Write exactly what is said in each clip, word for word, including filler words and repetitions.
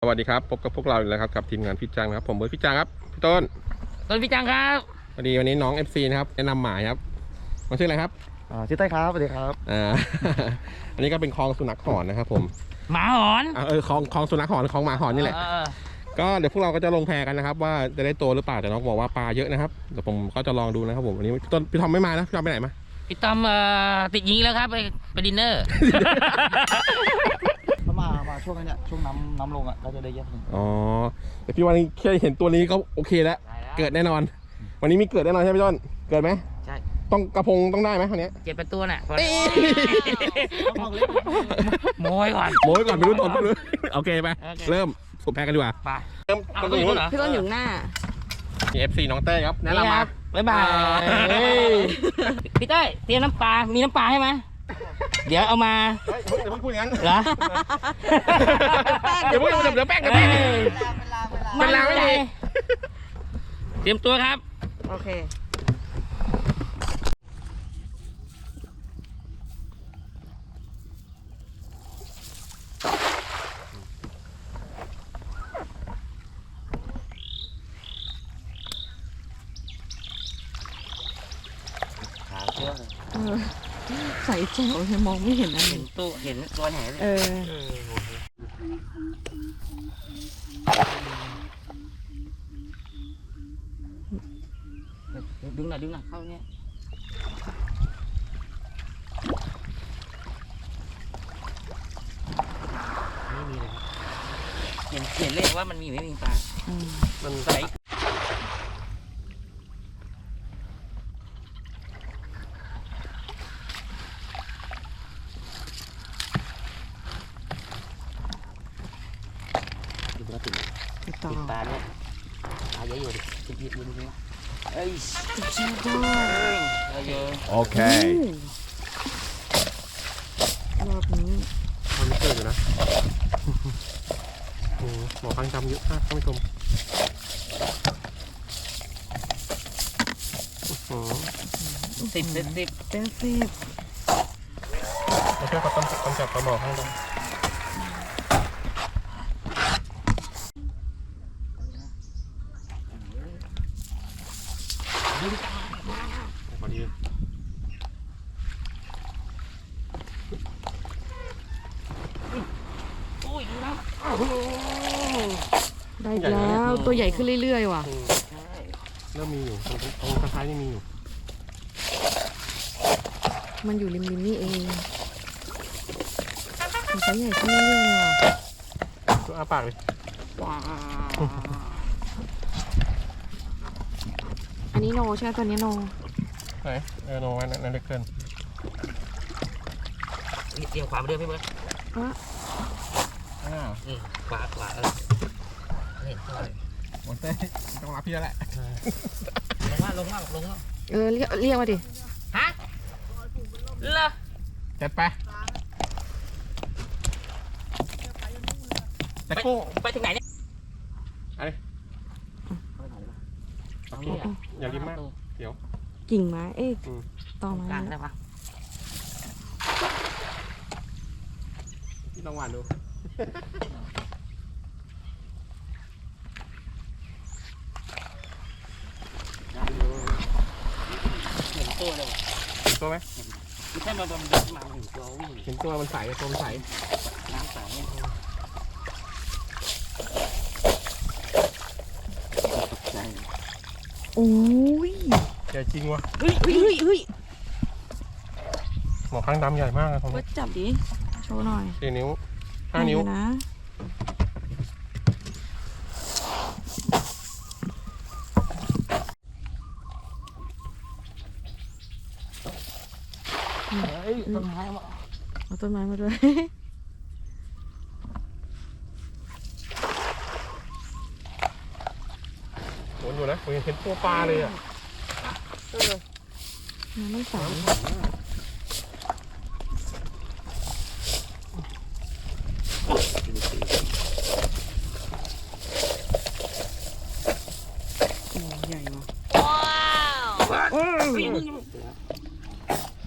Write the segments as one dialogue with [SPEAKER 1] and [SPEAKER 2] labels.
[SPEAKER 1] วัสดีครับพบกับพวกเราอีกแล้วครับกับทีมงานพี่จังครับผมเบิร์ดพี่จังครับพี่ต้น
[SPEAKER 2] ต้นพี่จังครับ
[SPEAKER 1] พอดีวันนี้น้อง เอฟ ซี นะครับแนะนำหมายครับมาชื่ออะไรครับ
[SPEAKER 3] อ่าชื่อเต้ครับสวัสดีครับ
[SPEAKER 1] อ่า อันนี้ก็เป็นคลองสุนัขหอนนะครับผม
[SPEAKER 2] หมาหอน
[SPEAKER 1] เออคลองคลองสุนัขหอนคลองหมาหอนนี่แหละก็เดี๋ยวพวกเราก็จะลงแพกันนะครับว่าจะได้ตัวหรือเปล่าแต่น้องบอกว่าปลาเยอะนะครับเดี๋ยวผมก็จะลองดูนะครับผมวันนี้พี่ต้นพี่ทอมไม่มานะพี่ทอมไปไหนมา
[SPEAKER 2] พี่ต้อมติดยิงแล้วครับไปไปดินเนอร์
[SPEAKER 3] ถ้ามามาช่วงนี้ช่วงน้ำน้ำลงอ่ะเราจะได้เยอะขึ้น
[SPEAKER 1] อ๋อแต่พี่วันนี้แค่เห็นตัวนี้ก็โอเคแล้วเกิดแน่นอนวันนี้มีเกิดแน่นอนใช่ไหมพี่ต้นเกิดไหม
[SPEAKER 2] ใช่
[SPEAKER 1] ต้องกระพงต้องได้ไหมคราวนี้
[SPEAKER 2] เจ็ดเป็นตัวน่ะโมยก่อน
[SPEAKER 1] โมยก่อนไม่รู้ต้นไม่รู้โอเคไปเริ่มสุดแพ้กันดีกว่า
[SPEAKER 2] ไป
[SPEAKER 1] เริ่มต้นอยู่เหรอ
[SPEAKER 4] พี่ต้นอยู่หน้า
[SPEAKER 1] มี เอฟ ซี น้องเต้ครับแนะนำมา
[SPEAKER 2] บ๊ายบายพี่เต้เตรียมน้ำปลามีน้ำปลาให้ไหมเดี๋ยวเอามา
[SPEAKER 1] เดี๋ยวพูดอย่างนั้น
[SPEAKER 2] เหรอ
[SPEAKER 1] เดี๋ยวพูดเดี๋ยวแป้งเดี๋ยวแป้งเป็นลางไม่ดี
[SPEAKER 2] เตรียมตัวครับ
[SPEAKER 4] โอเคใส่แจ๋วเลยมองไม่เห็นอะไร
[SPEAKER 2] เห็นตัวเห็นตัวแหนเลย
[SPEAKER 4] เออ
[SPEAKER 2] ดึงหน่อยดึงหน่อยเข้าเนี้ยไม่มีเลยเห็นเห็นเลยว่ามันมีไม่มีปลา
[SPEAKER 1] มัน
[SPEAKER 2] ใส่
[SPEAKER 4] ติดต่อ
[SPEAKER 2] ปลาเนี่ยปลาเยอะอยู่ดิติดยิบยิบยิบเอ้ย
[SPEAKER 4] จริงด้วย
[SPEAKER 2] เยอะ
[SPEAKER 1] โอเค
[SPEAKER 4] รอบนี้
[SPEAKER 1] มันไม่เกิดอยู่นะโอ้หมอพังจำเยอะมากท่านผู้ชม
[SPEAKER 2] สิบสิบสิบ
[SPEAKER 4] เป็นสิบ
[SPEAKER 1] ไม่ใช่เขาต้องต้องจับปลาหมอข้างบนพอดี
[SPEAKER 4] ได้แล้วตัวใหญ่ขึ้นเรื่อยๆว่ะ
[SPEAKER 1] เริ่มมีอยู่ตรงตรงท้ายนี่มีอยู่
[SPEAKER 4] มันอยู่ริมๆนี่เองมันใหญ่ขึ้นเรื่อยๆว่ะ
[SPEAKER 1] ตัวอาปากเลย
[SPEAKER 4] อันนี้โนใช่ไหมตัวนี้โน
[SPEAKER 1] ไหนเออโนไว้นั่นเล็กเกิน
[SPEAKER 2] เอียงขวาไปเรื่อยพี่เบิร์ด
[SPEAKER 1] อ่า
[SPEAKER 2] ขวาขวาเออเห็นตัวเลย
[SPEAKER 1] หมดเต้ต้องรับพี่แล้วแหละ
[SPEAKER 2] ลงมาลงมาลงมา
[SPEAKER 4] เออเรียกเรียกมาดิ
[SPEAKER 2] ฮะเหรอ
[SPEAKER 1] จัดไปแต่กู
[SPEAKER 2] ไปถึงไหนเนี่ย
[SPEAKER 1] อะไรโอเคอย่าริมมากเดี๋ยว
[SPEAKER 4] กิ่งไม้เอ๊ะต่อไม้
[SPEAKER 2] ได้ปะ
[SPEAKER 1] พี่ต้องหวานดู
[SPEAKER 2] เห็นตัวเลย
[SPEAKER 1] เห็นตัวไหม
[SPEAKER 2] ไม่ใช่มาบำบัดมาเห็นตัววิ่ง
[SPEAKER 1] เห็นตัวมันใสตัวมันใส
[SPEAKER 2] น้ำใส
[SPEAKER 4] โอ้ย
[SPEAKER 1] ใหญ่จริงวะ
[SPEAKER 4] เฮ้ยเฮ้ยเฮ้ย
[SPEAKER 1] หมอข้างดำใหญ่มากเลยผม
[SPEAKER 4] ก็จับดิโชว์หน่อย
[SPEAKER 1] สี่นิ้วห้านิ้ว
[SPEAKER 4] นะ
[SPEAKER 2] ต้นไม้มา
[SPEAKER 4] เอาต้นไม้มาด้วย
[SPEAKER 1] โหนอยู่นะผมเห็นตัวปลาเลยอ่ะ
[SPEAKER 4] น้ำไม่ใสใหญ่ว่ะ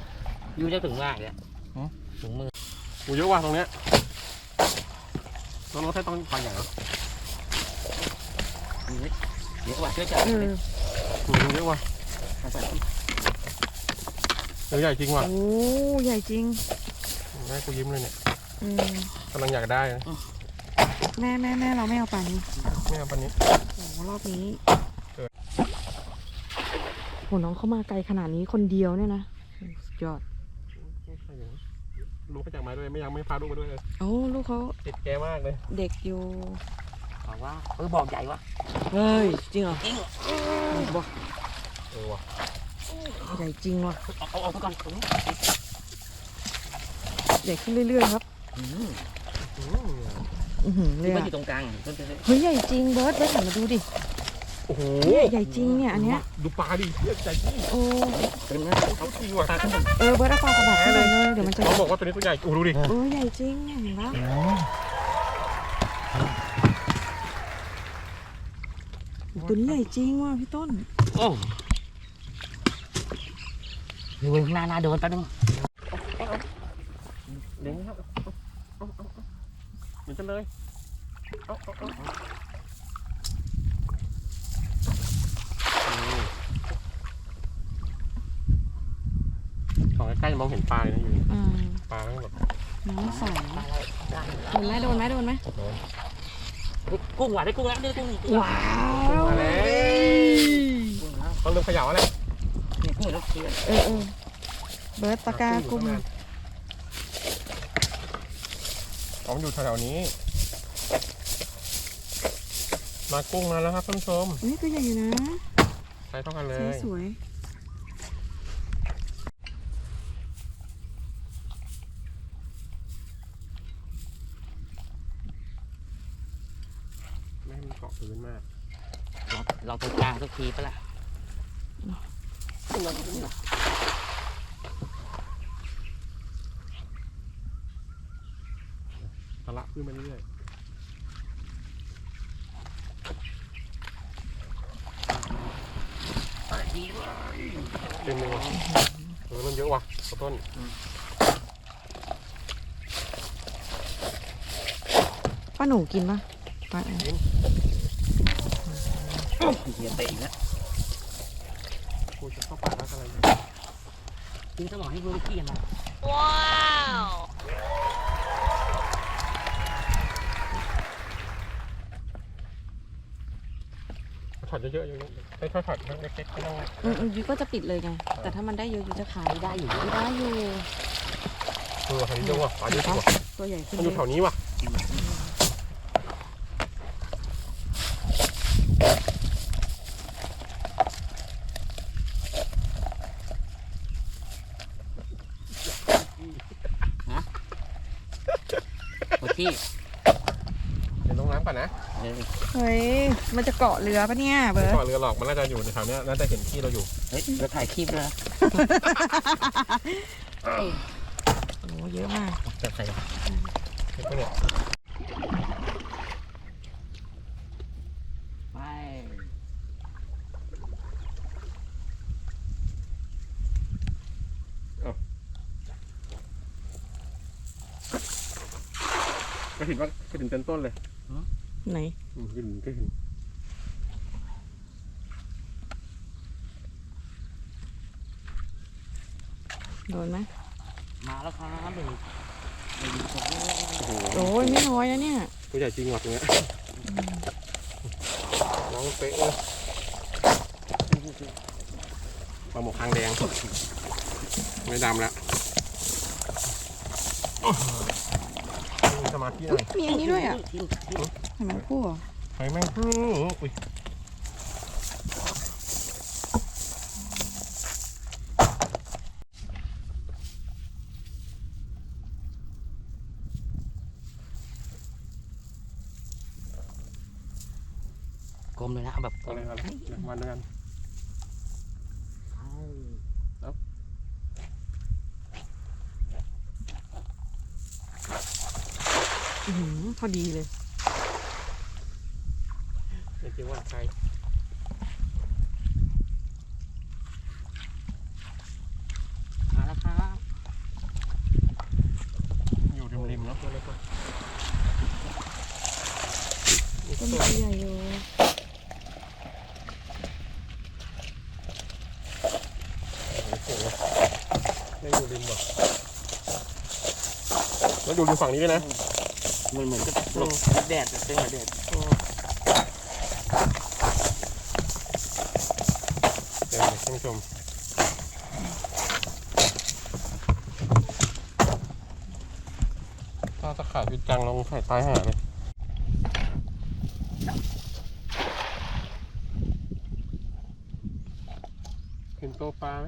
[SPEAKER 2] ยูจะถึงมากเลยถึงมือ
[SPEAKER 1] โอ้เยอะว่ะตรงเนี้ยน้องรถให้ต้องปลาใหญ่เหรอ
[SPEAKER 2] เดี๋ยวว่าช่วยจับ
[SPEAKER 4] เออ
[SPEAKER 1] ตัวเยอะว่ะตัวใหญ่จริงว่ะ
[SPEAKER 4] โอ้ใหญ่จริง
[SPEAKER 1] แม่กูยิ้มเลยเนี่ย
[SPEAKER 4] อืม
[SPEAKER 1] กำลังอยากได้นะ
[SPEAKER 4] แม่แม่แม่เราไม่เอาปลานี้
[SPEAKER 1] ไม่เอาปลานี้
[SPEAKER 4] โอ้รอบนี้
[SPEAKER 1] เออ
[SPEAKER 4] โหน้องเข้ามาไกลขนาดนี้คนเดียวเนี่ยนะสุดยอด
[SPEAKER 1] ลูกไปจากไม้ด้วยไม่ยังไม่พาลูกมาด้วยเลย
[SPEAKER 4] โอ้ลูกเขา
[SPEAKER 1] ติดแกมากเลย
[SPEAKER 4] เด็กอยู่
[SPEAKER 2] บอกว่าเออบอกใหญ่วะ
[SPEAKER 4] เฮ้ยจริงเหรอ
[SPEAKER 2] จริง
[SPEAKER 4] บอก
[SPEAKER 1] เออว่ะ
[SPEAKER 4] ใหญ่จริงว่ะ
[SPEAKER 2] เอาเอาเอาไปก่อนตรงนี้
[SPEAKER 4] ใหญ่ขึ้นเรื่อยๆครับ
[SPEAKER 2] อืม
[SPEAKER 1] อืม
[SPEAKER 4] อือหือเล
[SPEAKER 2] นี่
[SPEAKER 4] ย
[SPEAKER 2] มัน
[SPEAKER 4] อะ
[SPEAKER 2] อยู่ตรงกลางต้นเลย
[SPEAKER 4] เฮ้ยใหญ่จริงเบิร์ดเบิร์ดหันมาดูดิ
[SPEAKER 1] โอ้โห
[SPEAKER 4] เนี่ยใหญ่จริงเนี่ยอันเนี้ย
[SPEAKER 1] ดูปลาดิเหี้ยใหญ่จริง
[SPEAKER 4] โอ้
[SPEAKER 2] เต็มแล้ว
[SPEAKER 1] เขาจริงว่ะ
[SPEAKER 2] ตาขึ้นบน
[SPEAKER 4] เออเบิร์ดเอาปลากระบอกขึ้นไปเลยเดี๋ยวมันจะ
[SPEAKER 1] น้องบอกว่าตัวนี้ตัวใหญ่โอ้โหดูดิ
[SPEAKER 4] เออใหญ่จริงเนี่ยเห็นปะตัวนี้ใหญ่จริงว่ะพี่ต้น
[SPEAKER 2] โอ้เดี๋ยวหน้าหน้าโดนแป๊บนึง
[SPEAKER 1] เด้งครับเอาเอาเอาเหมือนกันเลยเอาเอาเอาของใกล้ๆมองเห็นปลาเลยนะอยู่
[SPEAKER 4] อืม
[SPEAKER 1] ปลาทั้งหมด
[SPEAKER 4] น้ำใส
[SPEAKER 2] ได้
[SPEAKER 4] โดนไหมโดนไหมโดนไหม
[SPEAKER 2] ได้กุ้งว่ะได้กุ้งแล้วได้กุ้งอีก
[SPEAKER 4] ว้าว
[SPEAKER 1] มาแล้วต้องเริ่มเขย่าแล้ว
[SPEAKER 2] นี่กุ้งแล้วเทียน
[SPEAKER 4] เออเออเบิร์ดปากกากุ้ง
[SPEAKER 1] ผมอยู่แถวๆนี้ มากุ้งมาแล้วครับท่านผู้ชม
[SPEAKER 4] นี่ตัวใหญ่อยู่นะ
[SPEAKER 1] ใช้เท่ากันเล
[SPEAKER 4] สี
[SPEAKER 1] ย
[SPEAKER 4] สวย
[SPEAKER 1] ไม่ให้มันเกาะพื้นมาก
[SPEAKER 2] เราเราตรงกลางสักทีปะล่ะ
[SPEAKER 1] ตะละขึ้นมาเรื่อยๆเต็มเลยว่ะเออเริ่มเยอะว่ะกระต้น
[SPEAKER 4] ป้าหนูกินปะป้า
[SPEAKER 2] เทียนเตะอีกแล้ว
[SPEAKER 1] กูจะเข้าป่าแล้วอะไรเนี่ย
[SPEAKER 2] ทิ้งสมองให้เพื่อนขี้กันนะ
[SPEAKER 1] ถอดเยอะๆเยอะๆได้ค่อยๆถอดเล็กๆไม่ต้อง
[SPEAKER 4] อืมอืมยูก็จะปิดเลยไง แต่ถ้ามันได้เยอะยูจะขาย
[SPEAKER 2] ไม่ได้อยู่
[SPEAKER 4] ได้อยู่
[SPEAKER 1] เออหายเยอะว่ะปลาเยอะจริงว่ะ
[SPEAKER 4] ตัวใหญ่ขึ้น
[SPEAKER 1] มันอยู่แถวนี้ว่ะ
[SPEAKER 2] โอเค
[SPEAKER 1] เดี๋ยวลงน้ำก่อนนะ
[SPEAKER 2] เออ
[SPEAKER 4] เฮ้ย มันจะเกาะเรือปะเนี่ยเบิ
[SPEAKER 1] ไม่
[SPEAKER 4] ร์ด
[SPEAKER 1] เกาะเรือหรอกมันน่าจะอยู่ในแถวเนี้ยน่าจะเห็นที่เราอยู่
[SPEAKER 2] เฮ้ยเราถ่ายคลิปเลย
[SPEAKER 4] โอ้เยอะมาก
[SPEAKER 2] จะใส่
[SPEAKER 1] เห็นปะเนี่ย
[SPEAKER 2] ไป
[SPEAKER 1] ก็เห็นว่าก็ถึงเต็มต้นเลย
[SPEAKER 4] ไหน
[SPEAKER 1] อืมก็เห็นก็เห็น
[SPEAKER 4] โดนไหม
[SPEAKER 2] มาแล้วครับหนึ่งหนึ่งสอง
[SPEAKER 1] โอ้โห
[SPEAKER 4] โอ้ยไม่น้อยนะเนี่ย
[SPEAKER 1] ตัวใหญ่จริงว่ะตรงเนี้ยน้องเป๊ะเลยปลาหมกคางแดงไม่ดำแล้วมีสมาธิหน่อย
[SPEAKER 4] มีอันนี้ด้วยอ่ะ
[SPEAKER 2] ทิ้งทิ้ง
[SPEAKER 4] เห็นไหมคู่เหรอ
[SPEAKER 1] ไฟแม่งอื้ออุ้ย
[SPEAKER 2] กลมเลยนะเอาแบบกล
[SPEAKER 1] เอา
[SPEAKER 2] ม
[SPEAKER 1] เลยเอาเลยเดี๋ยวมันด้วยกัน
[SPEAKER 4] อื้อหือพอดีเลย
[SPEAKER 1] ไม่คิดว่าใคร
[SPEAKER 2] มาแล้วครับ
[SPEAKER 1] อยู่ริมๆเนาะตัวเล็ก
[SPEAKER 4] ต้นไม้ใหญ่อยู่
[SPEAKER 1] ไม่อยู่ริมว่ะแล้วอยู่ริมฝั่งนี้ด้วยนะ
[SPEAKER 2] มันเหมือนกับหลบแดดเป็นหัวแดด
[SPEAKER 1] เดี๋ยวท่านผู้ชมถ้าตะข่ายพิจังลงใส่ตายหาเลยเห็นตัวปลาไหม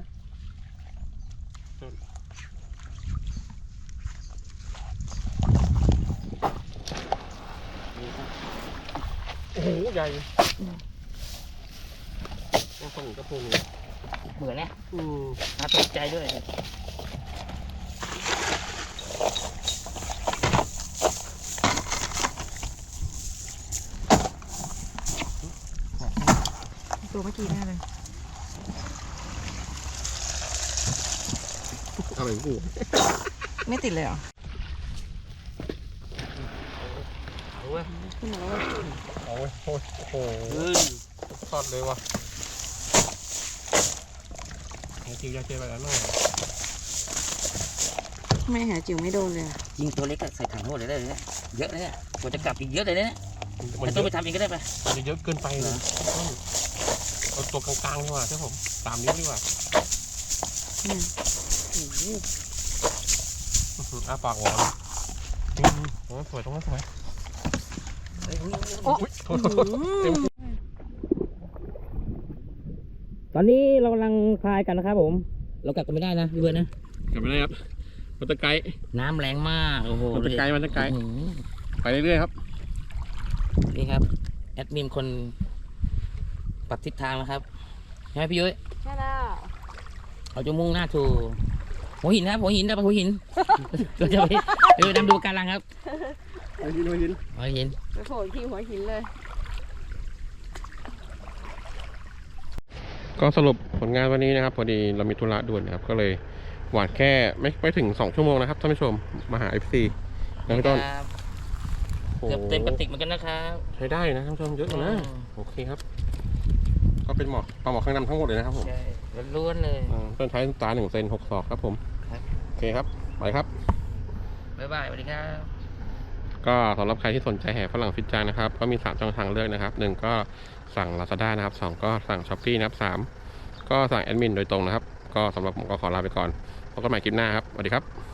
[SPEAKER 1] โอ้โหใหญ่ต้องคนก็พูดเลย
[SPEAKER 2] เหมือนเนี่ย
[SPEAKER 1] อืม
[SPEAKER 2] น่าตกใจด้วย
[SPEAKER 4] ตัวเมื่อกี้แน่เลย
[SPEAKER 1] อะไรกู
[SPEAKER 4] ไม่ติดเลยเหรอ
[SPEAKER 2] เอาเว้ย
[SPEAKER 4] ขึ้นมาแล้วว่า
[SPEAKER 1] เอาไว้โอ้โห
[SPEAKER 2] เฮ้ย
[SPEAKER 1] ทอดเลยว่ะไอ้จิ๋วยาเจไปแล้วน้อง
[SPEAKER 4] ไม่หาจิ๋วไม่โดนเลยอะ
[SPEAKER 2] ยิงตัวเล็กก็ใส่ถังโทษเลยได้เลยเนี่ยเยอะเลยเนี่ยกว่าจะกลับอีกเยอะเลยเนี่ย
[SPEAKER 1] มั
[SPEAKER 2] ไม่
[SPEAKER 1] น
[SPEAKER 2] ต้
[SPEAKER 1] เย
[SPEAKER 2] องไป
[SPEAKER 1] อะ
[SPEAKER 2] ทำเองก็ได้ปะ
[SPEAKER 1] มันจะเยอะเกินไปเลยเอาตัวกลางๆดีกว่าใช่ผมสามนิ้วดีกว่า
[SPEAKER 4] เนี่ย
[SPEAKER 1] อื้อหืออ้าปากหวานอืมตรงนั้นสวยตรงนั้นสวย
[SPEAKER 2] เฮ้ย
[SPEAKER 4] โอ้
[SPEAKER 1] อุ๊ยโทษโทษโทษเต็ม
[SPEAKER 2] ตอนนี้เรากำลังพายกันนะครับผม เรากลับกันไม่ได้นะพี่เบิร์ดนะ
[SPEAKER 1] กลับไปได้ครับมันตะไกด์
[SPEAKER 2] น้ำแรงมากโอ้โห
[SPEAKER 1] มันตะไกด์มันตะไกด์
[SPEAKER 2] อื้อหือ
[SPEAKER 1] ไปเรื่อยๆครับ
[SPEAKER 2] นี่ครับแอดมินคนปรับทิศทางนะครับใช่ไหมพี่ยุ้ย
[SPEAKER 4] ใช่แล้ว
[SPEAKER 2] เราจะมุ่งหน้าสู่หัวหินครับหัวหินนะไปหัวหิน เราจะไปไปนำดูการลังครับ
[SPEAKER 1] ไปยินไปยิน
[SPEAKER 2] หัวหิน
[SPEAKER 4] ไปโผล่ที่หัวหินเลย
[SPEAKER 1] ก็สรุปผลงานวันนี้นะครับพอดีเรามีธุระด่วนนะครับก็เลยหวานแค่ไม่ไปถึงสองชั่วโมงนะครับท่านผู้ชมมาหา เอฟ ซี นะพี่ต้น
[SPEAKER 2] ครับ
[SPEAKER 1] โอ้โห
[SPEAKER 2] เกือบเต็มกระติกเหมือนกันนะครับ
[SPEAKER 1] ใช้ได้นะท่านผู้ชมเยอะอยู่นะ
[SPEAKER 2] อืม
[SPEAKER 1] โอเคครับ ก็เป็นหมอกปลาหมอกข้างดำทั้งหมดเลยนะครับผม
[SPEAKER 2] ใช่ล้วนๆเลย
[SPEAKER 1] อ่าต้นใช้ตาหนึ่งเซนหกศอกครับผม
[SPEAKER 2] ครับ
[SPEAKER 1] โอเคครับไปครับ
[SPEAKER 2] บ๊ายบายสวัสดีครับ
[SPEAKER 1] ก็สำหรับใครที่สนใจแห่ฝรั่งฟิตจังนะครับก็มีสามช่องทางเลือกนะครับหนึ่งก็สั่ง Lazada นะครับสองก็สั่ง Shopee นะครับสามก็สั่งแอดมินโดยตรงนะครับก็สำหรับผมก็ขอลาไปก่อนพบกันใหม่คลิปหน้าครับสวัสดีครับ